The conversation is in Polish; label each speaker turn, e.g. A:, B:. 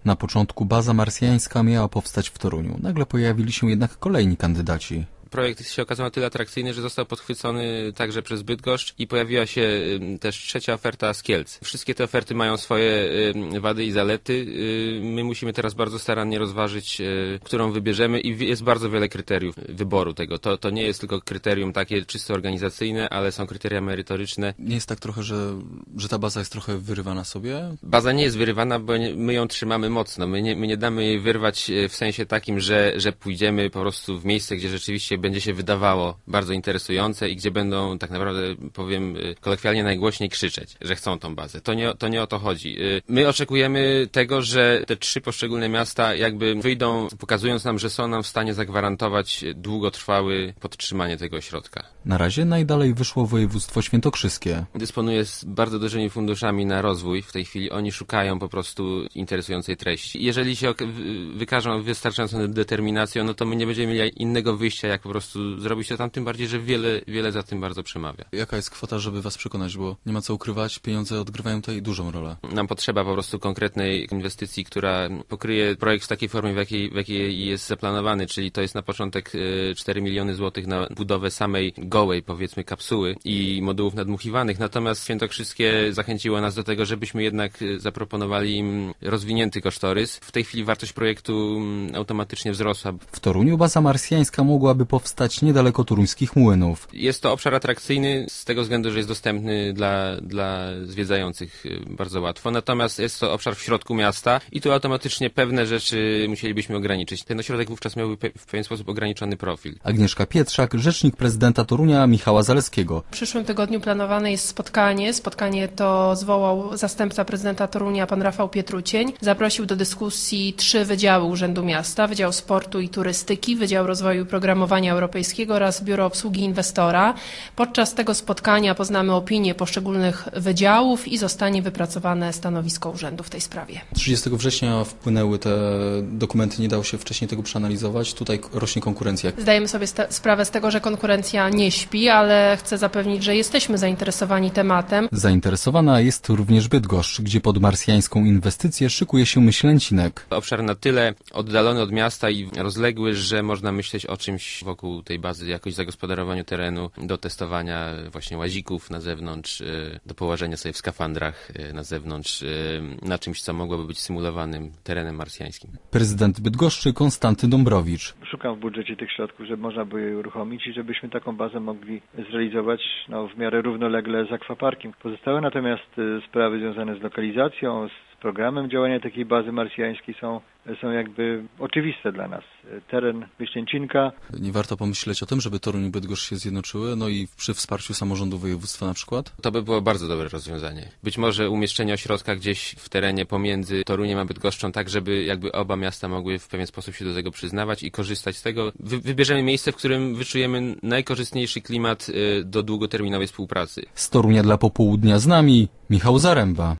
A: Na początku baza marsjańska miała powstać w Toruniu. Nagle pojawili się jednak kolejni kandydaci.
B: Projekt się okazał na tyle atrakcyjny, że został podchwycony także przez Bydgoszcz i pojawiła się też trzecia oferta z Kielc. Wszystkie te oferty mają swoje wady i zalety. My musimy teraz bardzo starannie rozważyć, którą wybierzemy i jest bardzo wiele kryteriów wyboru tego. To nie jest tylko kryterium takie czysto organizacyjne, ale są kryteria merytoryczne.
A: Nie jest tak trochę, że ta baza jest trochę wyrywana sobie?
B: Baza nie jest wyrywana, bo my ją trzymamy mocno. My nie damy jej wyrwać w sensie takim, że pójdziemy po prostu w miejsce, gdzie rzeczywiście będzie się wydawało bardzo interesujące i gdzie będą tak naprawdę, powiem kolokwialnie, najgłośniej krzyczeć, że chcą tą bazę. To nie o to chodzi. My oczekujemy tego, że te trzy poszczególne miasta jakby wyjdą, pokazując nam, że są nam w stanie zagwarantować długotrwałe podtrzymanie tego ośrodka.
A: Na razie najdalej wyszło województwo świętokrzyskie.
B: Dysponuje z bardzo dużymi funduszami na rozwój. W tej chwili oni szukają po prostu interesującej treści. Jeżeli się wykażą wystarczającą determinacją, no to my nie będziemy mieli innego wyjścia, jak po prostu zrobić to tam, tym bardziej, że wiele za tym bardzo przemawia.
A: Jaka jest kwota, żeby was przekonać, bo nie ma co ukrywać, pieniądze odgrywają tutaj dużą rolę.
B: Nam potrzeba po prostu konkretnej inwestycji, która pokryje projekt w takiej formie, w jakiej jest zaplanowany, czyli to jest na początek 4 miliony złotych na budowę samej gołej, powiedzmy, kapsuły i modułów nadmuchiwanych, natomiast Świętokrzyskie zachęciło nas do tego, żebyśmy jednak zaproponowali im rozwinięty kosztorys. W tej chwili wartość projektu automatycznie wzrosła.
A: W Toruniu baza marsjańska mogłaby powstać niedaleko toruńskich młynów.
B: Jest to obszar atrakcyjny z tego względu, że jest dostępny dla zwiedzających bardzo łatwo. Natomiast jest to obszar w środku miasta i tu automatycznie pewne rzeczy musielibyśmy ograniczyć. Ten ośrodek wówczas miałby w pewien sposób ograniczony profil.
A: Agnieszka Pietrzak, rzecznik prezydenta Torunia Michała Zaleskiego.
C: W przyszłym tygodniu planowane jest spotkanie. Spotkanie to zwołał zastępca prezydenta Torunia, pan Rafał Pietrucień. Zaprosił do dyskusji 3 wydziały Urzędu Miasta. Wydział Sportu i Turystyki, Wydział Rozwoju i Programowania Europejskiego oraz Biuro Obsługi Inwestora. Podczas tego spotkania poznamy opinie poszczególnych wydziałów i zostanie wypracowane stanowisko urzędu w tej sprawie.
A: 30 września wpłynęły te dokumenty, nie dało się wcześniej tego przeanalizować. Tutaj rośnie konkurencja.
C: Zdajemy sobie sprawę z tego, że konkurencja nie śpi, ale chcę zapewnić, że jesteśmy zainteresowani tematem.
A: Zainteresowana jest również Bydgoszcz, gdzie pod marsjańską inwestycję szykuje się Myślęcinek.
B: Obszar na tyle oddalony od miasta i rozległy, że można myśleć o czymś wokół tej bazy, jakoś zagospodarowaniu terenu, do testowania właśnie łazików na zewnątrz, do położenia sobie w skafandrach na zewnątrz, na czymś, co mogłoby być symulowanym terenem marsjańskim.
A: Prezydent Bydgoszczy Konstanty Dąbrowicz.
D: Szukam w budżecie tych środków, żeby można było je uruchomić i żebyśmy taką bazę mogli zrealizować w miarę równolegle z akwaparkiem. Pozostałe natomiast sprawy związane z lokalizacją, z programem działania takiej bazy marsjańskiej są jakby oczywiste dla nas. Teren Myślęcinka.
A: Nie warto pomyśleć o tym, żeby Toruń i Bydgoszcz się zjednoczyły, no i przy wsparciu samorządu województwa na przykład?
B: To by było bardzo dobre rozwiązanie. Być może umieszczenie ośrodka gdzieś w terenie pomiędzy Toruniem a Bydgoszczą, tak żeby jakby oba miasta mogły w pewien sposób się do tego przyznawać i korzystać z tego. Wybierzemy miejsce, w którym wyczujemy najkorzystniejszy klimat do długoterminowej współpracy.
A: Z Torunia dla Popołudnia z nami Michał Zaręba.